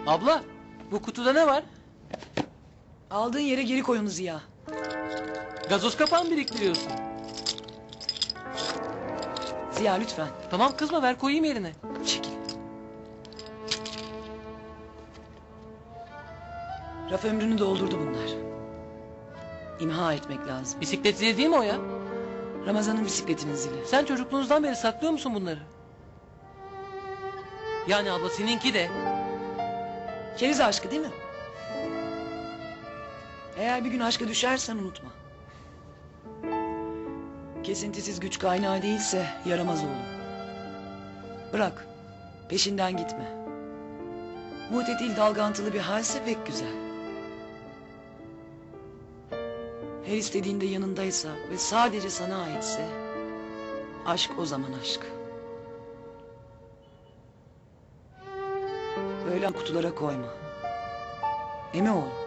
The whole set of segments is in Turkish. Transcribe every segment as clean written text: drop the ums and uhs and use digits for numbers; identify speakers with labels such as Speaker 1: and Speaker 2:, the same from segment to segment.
Speaker 1: Abla, bu kutuda ne var?
Speaker 2: Aldığın yere geri koy onu Ziya.
Speaker 1: Gazoz kapağı mı biriktiriyorsun?
Speaker 2: Ziya lütfen.
Speaker 1: Tamam kızma, ver koyayım yerine.
Speaker 2: Çekil. Raf ömrünü doldurdu bunlar. İmha etmek lazım.
Speaker 1: Bisiklet zili değil mi o ya?
Speaker 2: Ramazan'ın bisikletinin zili.
Speaker 1: Sen çocukluğunuzdan beri saklıyor musun bunları? Yani abla seninki de.
Speaker 2: Keriz aşkı değil mi? Eğer bir gün aşka düşersen unutma. Kesintisiz güç kaynağı değilse yaramaz oğlum. Bırak. Peşinden gitme. Mutetil dalgantılı bir halse pek güzel. Her istediğinde yanındaysa ve sadece sana aitse aşk o zaman aşk. Böyle kutulara koyma. Değil mi oğlum?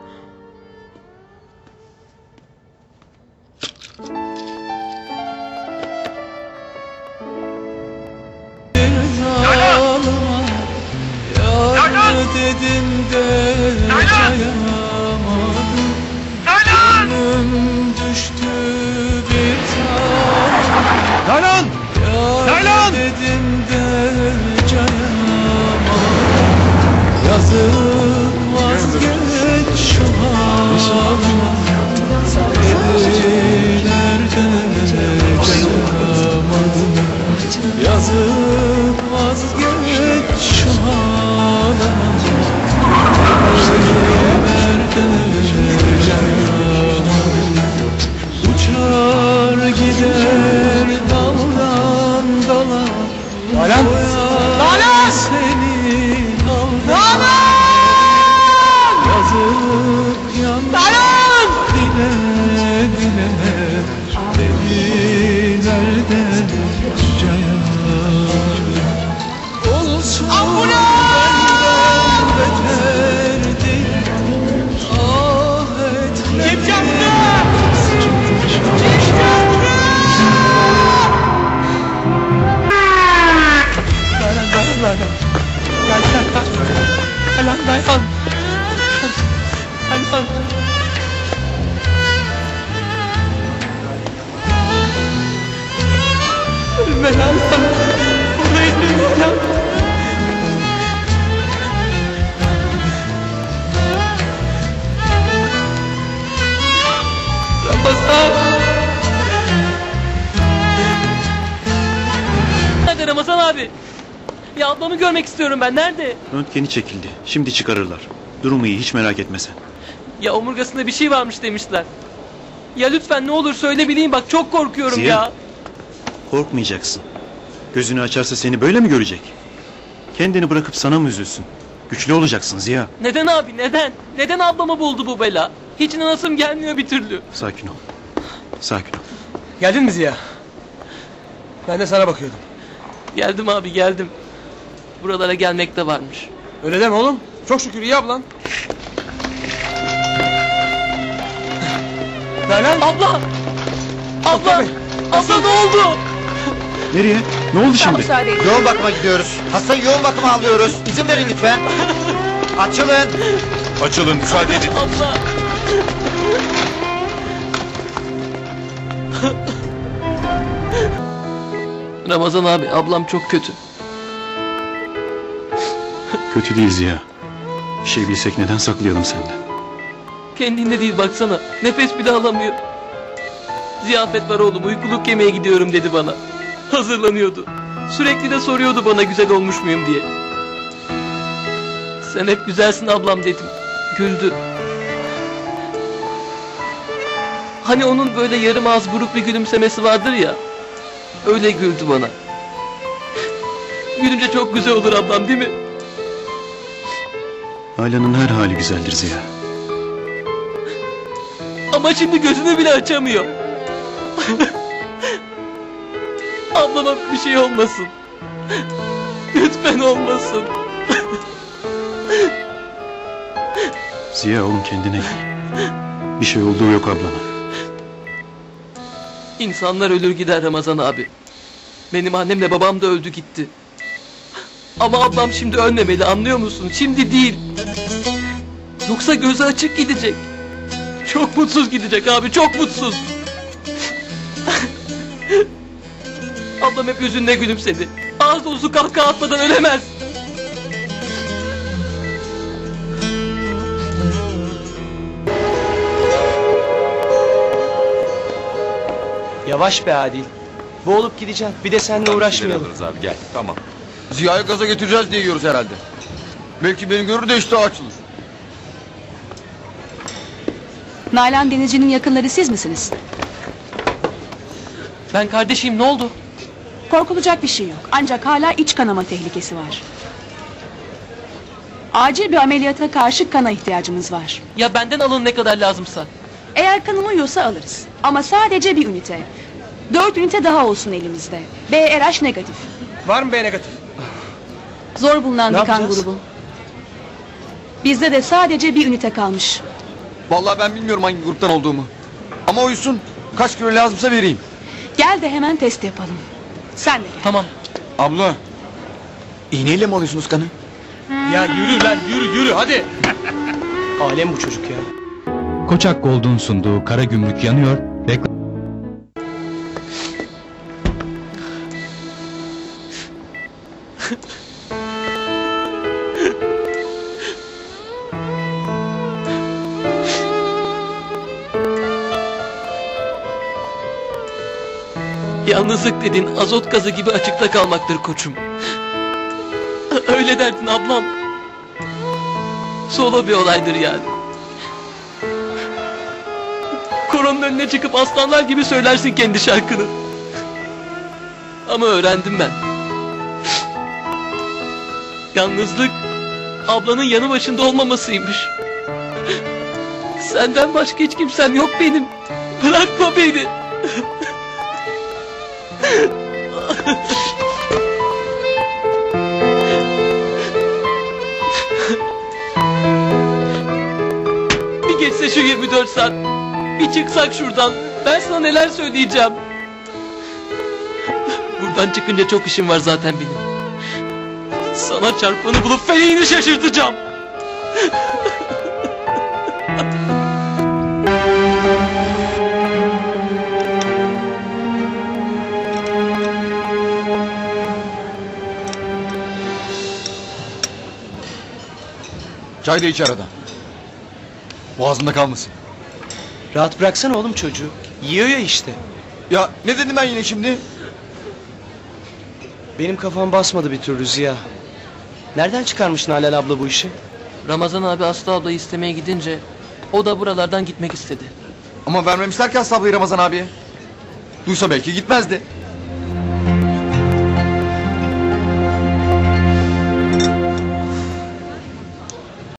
Speaker 3: Dedim de dayamadım. Gönlüm düştü bir tanem.
Speaker 4: Nalan! Nalan!
Speaker 3: Dedim de cayamadım. Yazık vazgeç şu halıma. Dediler de cayamadım. Yazık vazgeç şu halıma. Uçar gider daldan dala.
Speaker 4: Nalan!
Speaker 3: Nalan! Seni daldan yazık yandan dile dile dediler de caya olsun benden beterdi. Ah etme. Kim yaptı? Dayan. Dayan. Dayan. Ölme lan. Buradayım lan. Ramazan.
Speaker 1: Nerede Ramazan abi? Ya ablamı görmek istiyorum ben, nerede?
Speaker 4: Röntgeni çekildi. Şimdi çıkarırlar. Durumu iyi, hiç merak etme sen.
Speaker 1: Ya omurgasında bir şey varmış demişler. Ya lütfen ne olur söyle bileyim, bak çok korkuyorum
Speaker 4: Ziya.
Speaker 1: ya.
Speaker 4: Korkmayacaksın. Gözünü açarsa seni böyle mi görecek? Kendini bırakıp sana mı üzülsün? Güçlü olacaksın Ziya.
Speaker 1: Neden abi, neden? Neden ablamı buldu bu bela? Hiç inanasım gelmiyor bir türlü.
Speaker 4: Sakin ol. Sakin ol.
Speaker 5: Geldin mi Ziya? Ben de sana bakıyordum.
Speaker 1: Geldim abi, geldim. Buralara gelmek de varmış.
Speaker 5: Öyle deme oğlum. Çok şükür iyi ablan. Nalan!
Speaker 1: Abla! Abla!
Speaker 5: Tabii.
Speaker 1: Abla ne oldu?
Speaker 4: Nereye? Ne oldu şimdi?
Speaker 6: Yoğun bakıma gidiyoruz. Hastayı yoğun bakıma alıyoruz. İzin verin lütfen. Açılın.
Speaker 4: Açılın, müsaade edin.
Speaker 1: Abla! Ramazan abi, ablam çok kötü.
Speaker 4: Kötü değil Ziya. Bir şey bilsek neden saklayalım senden?
Speaker 1: Kendinde değil baksana. Nefes bile alamıyor. Ziyafet var oğlum, uykuluk yemeye gidiyorum dedi bana. Hazırlanıyordu. Sürekli de soruyordu bana güzel olmuş muyum diye. Sen hep güzelsin ablam dedim. Güldü. Hani onun böyle yarım ağız buruk bir gülümsemesi vardır ya. Öyle güldü bana. Gülünce çok güzel olur ablam değil mi?
Speaker 4: Ailenin her hali güzeldir Ziya.
Speaker 1: Ama şimdi gözünü bile açamıyor. Ablama bir şey olmasın. Lütfen olmasın.
Speaker 4: Ziya oğlum kendine gel. Bir şey olduğu yok ablana.
Speaker 1: İnsanlar ölür gider Ramazan abi. Benim annemle babam da öldü gitti. Ama ablam şimdi ölmemeli, anlıyor musun? Şimdi değil. Yoksa gözü açık gidecek. Çok mutsuz gidecek abi, çok mutsuz. Ablam hep yüzünde gülümsedi. Ağız dolusu kahkaha atmadan ölemez.
Speaker 5: Yavaş be Adil. Boğulup gideceksin. Bir de seninle uğraşmayalım.
Speaker 7: Abi gel tamam. Ziya'yı gaza getireceğiz diye yiyoruz herhalde. Belki beni görür de iştah açılır.
Speaker 8: Nalan Denizci'nin yakınları siz misiniz?
Speaker 1: Ben kardeşim, ne oldu?
Speaker 8: Korkulacak bir şey yok. Ancak hala iç kanama tehlikesi var. Acil bir ameliyata karşı kana ihtiyacımız var.
Speaker 1: Ya benden alın ne kadar lazımsa.
Speaker 8: Eğer kanım uyuyorsa alırız. Ama sadece bir ünite. 4 ünite daha olsun elimizde. BRH negatif.
Speaker 5: Var mı B negatif?
Speaker 8: Zor bulunan
Speaker 5: Ne
Speaker 8: bir kan
Speaker 5: yapacağız?
Speaker 8: grubu. Bizde de sadece bir ünite kalmış.
Speaker 7: Vallahi ben bilmiyorum hangi gruptan olduğumu. Ama uyusun. Kaç kilo lazımsa vereyim.
Speaker 8: Gel de hemen test yapalım. Sen de gel.
Speaker 1: Tamam.
Speaker 7: Abla. İğneyle mi alıyorsunuz kanı?
Speaker 5: Ya yürü lan yürü hadi. Alem bu çocuk ya.
Speaker 9: Koçak Gold'un sunduğu Kara Gümrük yanıyor. Reklam...
Speaker 1: Yalnızlık dedin azot gazı gibi açıkta kalmaktır koçum. Öyle derdin ablam. Solo bir olaydır yani. Koronun önüne çıkıp aslanlar gibi söylersin kendi şarkını. Ama öğrendim ben. Yalnızlık ablanın yanı başında olmamasıymış. Senden başka hiç kimsem yok benim. Bırakma beni. Bir geçse şu 24 saat. Bir çıksak şuradan. Ben sana neler söyleyeceğim. Buradan çıkınca çok işim var zaten benim. Sana çarpanı bulup feleğini şaşırtacağım.
Speaker 7: Çay da iç arada. Boğazında kalmasın.
Speaker 5: Rahat bıraksana oğlum çocuğu. Yiyor ya işte.
Speaker 7: Ya ne dedim ben yine şimdi?
Speaker 5: Benim kafam basmadı bir türlü Ziya. Nereden çıkarmış Nalan abla bu işi?
Speaker 1: Ramazan abi Aslı ablayı istemeye gidince o da buralardan gitmek istedi.
Speaker 7: Ama vermemişler ki Aslı ablayı Ramazan abiye. Duysa belki gitmezdi.